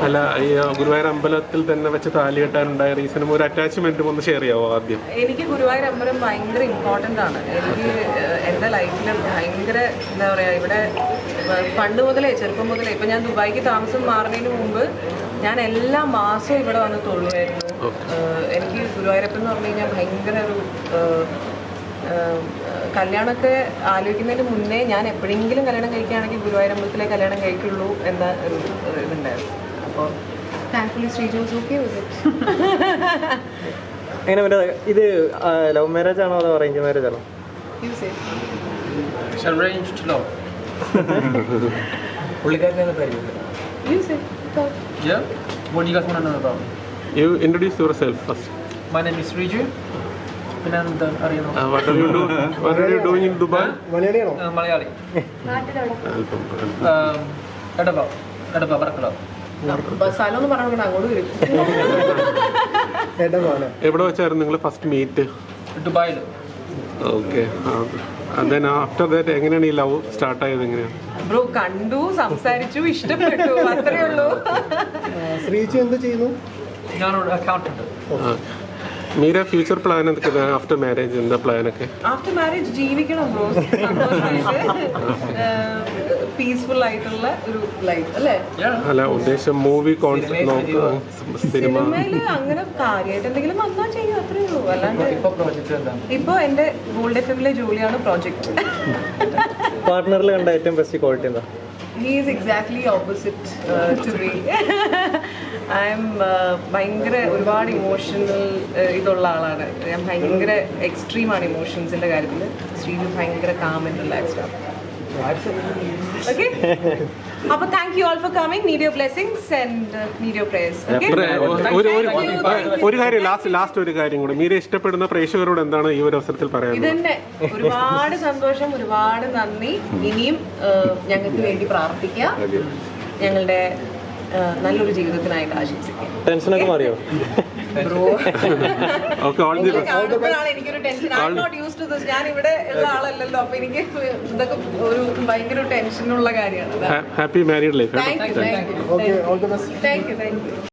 അല്ല, ഈ ഗുരുവായൂർ അമ്പലത്തിൽ തന്നെ വെച്ച് താലി കെട്ടാനുണ്ടായ റീസണും ഒരു അറ്റാച്ച്മെന്റും ഒന്ന് ഷെയർ ചെയ്യാവോ ആദ്യം? എനിക്ക് ഗുരുവായൂർ അമ്പലം ഭയങ്കര ഇമ്പോർട്ടൻ്റ് ആണ്. എനിക്ക് എൻ്റെ ലൈഫിൽ ഭയങ്കര എന്താ പറയുക, ഇവിടെ പണ്ട് മുതലേ ചെറുപ്പം മുതലേ ഇപ്പം ഞാൻ ദുബായിക്ക് താമസം മാറുന്നതിന് മുമ്പ് ഞാൻ എല്ലാ മാസവും ഇവിടെ വന്ന് തൊഴുവായിരുന്നു. എനിക്ക് ഗുരുവായൂരപ്പൻ എന്ന് പറഞ്ഞു കഴിഞ്ഞാൽ ഭയങ്കര ഒരു കല്യാണമൊക്കെ ആലോചിക്കുന്നതിന് മുന്നേ ഞാൻ എപ്പോഴെങ്കിലും കല്യാണം കഴിക്കുകയാണെങ്കിൽ ഗുരുവായൂർ അമ്പലത്തിലെ കല്യാണം കഴിക്കുള്ളൂ എന്ന ഒരു ഇതുണ്ടായിരുന്നു. അപ്പോൾ thankfully Sreeju was okay with it. എങ്ങനെ മറ്റേ ഇത് ലവ് മാരേജ് ആണോ അതോ അറേഞ്ച് മാരേജ് ആണോ? Arranged love. Yeah. What do you guys want to know about me? You introduce yourself first. My name is Riju. Pinandan Ariyano. What are you doing in Dubai? Malayali. Edaba Barakala. സ്ഥലം എന്ന് പറഞ്ഞാൽ അങ്ങോട്ട് വരും. എവിടെ വെച്ചായിരുന്നു നിങ്ങൾ first meet? ദുബായിൽ. Okay. then after that എങ്ങനെയാണ് ഈ ലവ് സ്റ്റാർട്ട് ആയത്? എങ്ങനെയാണ്? ബ്രോ കണ്ടു, സംസാരിച്ചു, ഇഷ്ടപ്പെട്ടു, അത്രേ ഉള്ളൂ. ശ്രീജു എന്ത് ചെയ്യുന്നു? ഞാനൊരു അക്കൗണ്ടന്റ്. മീര ഫ്യൂച്ചർ പ്ലാൻ എന്തൊക്കെ ആഫ്റ്റർ മാരേജ്? എന്താ പ്ലാനൊക്കെ? ആഫ്റ്റർ മാരേജ് ജീവിക്കണം ബ്രോ, പീസ്ഫുൾ ആയിട്ടുള്ള ഒരു ലൈഫ് അല്ലേ? അല്ല, ഉദ്ദേശം മൂവി കോൺസെപ്റ്റ് നോക്കുക, സിനിമ അങ്ങനെ കാര്യമായിട്ട് എന്തെങ്കിലും വന്നാൽ ചെയ്യും, അത്രേ ഉള്ളൂ. അല്ലാണ്ട് ഇപ്പൊ എന്റെ ഗോൾഡ് എഫ്എമ്മിലെ ജോലിയാണ് പ്രോജക്റ്റ്. പാർട്ട്ണറിൽ കണ്ട ഏറ്റവും ബെസ്റ്റ് ക്വാളിറ്റി എന്താ? He is exactly opposite to me. ഭയങ്കര ഒരുപാട് ഇമോഷണൽ ഇതുള്ള ആളാണ് ഞാൻ. ഭയങ്കര എക്സ്ട്രീമാണ് ഇമോഷൻസിന്റെ കാര്യത്തിൽ. ശ്രീജു ഭയങ്കര കാം ആൻഡ് റിലാക്സ്ഡ് ആണ്. Okay? അപ്പോൾ thank you all for coming. Need your blessings and need your prayers. ഒരു കാര്യം, ലാസ്റ്റ് ഒരു കാര്യം കൂടെ, മീര ഇഷ്ടപ്പെടുന്ന പ്രേക്ഷകരോട് എന്താണ് ഈ ഒരു അവസരത്തിൽ പറയാനുള്ളത്? ഇതന്നെ, ഒരുപാട് സന്തോഷം, ഒരുപാട് നന്ദി. ഇനിയും ഞങ്ങൾക്ക് വേണ്ടി പ്രാർത്ഥിക്കുക, ഞങ്ങളുടെ നല്ലൊരു ജീവിതത്തിനായിട്ട് ആശംസിക്കുക. ടെൻഷനൊക്കെ മാറിയോ? കാണുമ്പോഴാണ് എനിക്കൊരു tension. I am not used to this. ഞാൻ ഇവിടെ ഉള്ള ആളല്ലല്ലോ, അപ്പൊ എനിക്ക് ഇതൊക്കെ ഒരു ഭയങ്കര ടെൻഷനുള്ള കാര്യമാണ്. Happy married life. Thank U.